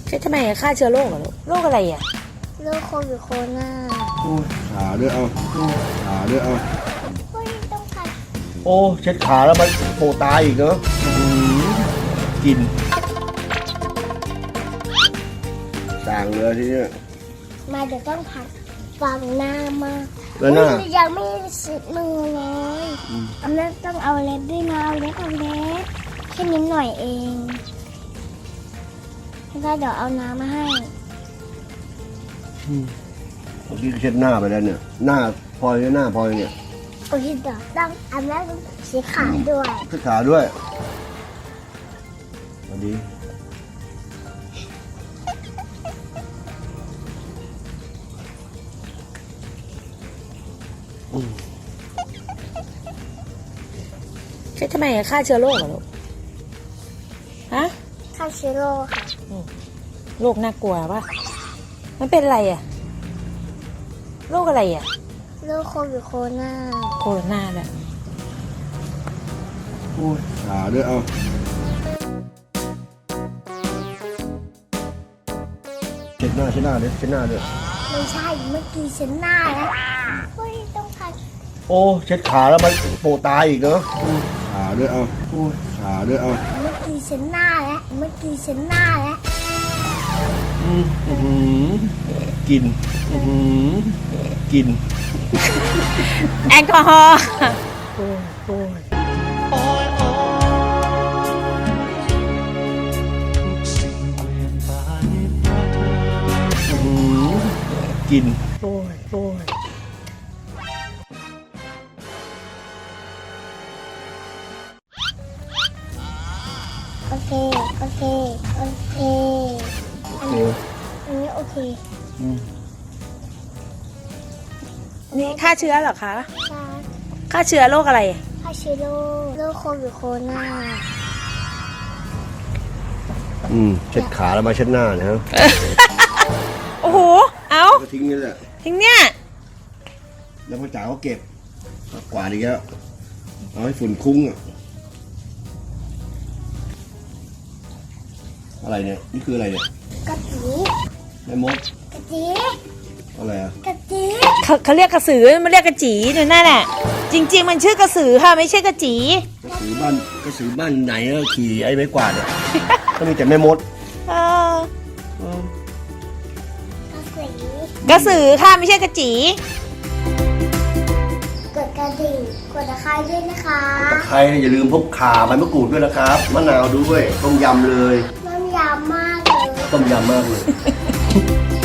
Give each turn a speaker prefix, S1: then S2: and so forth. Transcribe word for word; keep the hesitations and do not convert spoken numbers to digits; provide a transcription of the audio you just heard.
S1: ใช่ทำไมฆ่าเชื้อโรคเหรอลูกโรคอะไรอ่ะ
S2: โรคโควิดโคโรนา
S3: โอ้ขาด้วยเอาขาด้วยเอา
S2: เฮ้ยต้องขัด
S3: โอ้เช็ดขาแล้วมันโผล่ตายอีกเนาะกินสั่งเลยทีเนี้ย
S2: มาเดี๋ยวต้องผัดฟังหน้ามา
S3: แล้วหน้า
S2: ยังไม่เสร็จมือเลยอันนั้นต้องเอาเล็บด้วยนะเอาเล็บเอาเล็บแค่นิดหน่อยเองแล้วเดี๋ยวเอาน้ำมาให้
S3: เมื่อกี้เช็ดหน้าไปแล้วเนี่ยหน้าพลอยหน้าพลอยเนี่ย
S2: โอเคเดี๋ยวต้องอันนั้นสีขาด้วย
S3: สีขาด้วยสวัสดี
S1: ใช่ทำไมฆ่าเชื้อโรคเหรอลูกฮะ
S2: ฆ่าเชื้อโรคค่ะ
S1: โรคน่ากลัวป่ะมันเป็นอะไรอ่ะโรคอะไรอ่ะ
S2: โรคโควิดโคโรนา
S1: โคโรนาแหละ
S3: โอ้ยขาด้วยเอาเช็ดหน้าเช็ดหน้าเลยเช็ดหน้าด้วย
S2: ไม่ใช่เมื่อกี้ฉันหน้าแล้วเฮ้ยต้องผัด
S3: โอ้เช็ดขาแล้วมันโผล่ตายอีกเนาะขาด้วยเอาโอ้ขาด้วยเอา
S2: เมื่อกี้ฉันหน้าแล้วเมื่อกี้ฉันหน้าแล้ว
S3: อืมอืมกินอืมกิน
S1: แอลกอฮอล์
S3: โอ้ยโอ้ยอืมกินโอ้ยโอ้ย
S2: โอเคโอเคโอเคอันนี้อันนี้โอเค
S1: นี่ฆ่าเชื้อเหรอคะ
S2: ใช่
S1: ฆ่าเชื้อโรคอะไร
S2: ฆ่าเชื้อโรคโรคโควิดโคโรนา
S3: อืมเช็ดขาแล้วมาเช็ดหน้าเนี่ยฮะ
S1: โอ้โหเอา
S3: ทิ้งนี่แหละ
S1: ทิ้งเนี่ย
S3: แล้วพ่อจ๋าก็เก็บกวาดอีกแล้วเอาให้ฝุ่นคุ้งอ่ะอะไรเนี่ยนี่คืออะไรเนี่ย
S2: กะจี
S3: แม่มด
S2: กะจี
S3: อะไรอ่ะ
S2: กะจี
S1: เขาเขาเรียกกระสือมันเรียกกระจีเนี่ยนั่นแหละจริงๆมันชื่อกระสือค่ะไม่ใช่กระจี
S3: กระสือบ้านกระสือบ้านไหนก็ขี่ไอ้ไม้กวาดเนี่ยก็มีแต่แม่มด
S1: เออก
S2: ระ
S1: สือค่ะไม่ใช่กระจี
S2: กดกระดิ่งกดตะไคร้ด้วยนะคะ
S3: ตะไคร้อย่าลืมพกข่าใบมะกรูดด้วยนะครับมะนาวด้วยต้มยำเลย
S2: ต้มยำมากเลย
S3: ต้มยำมากเลย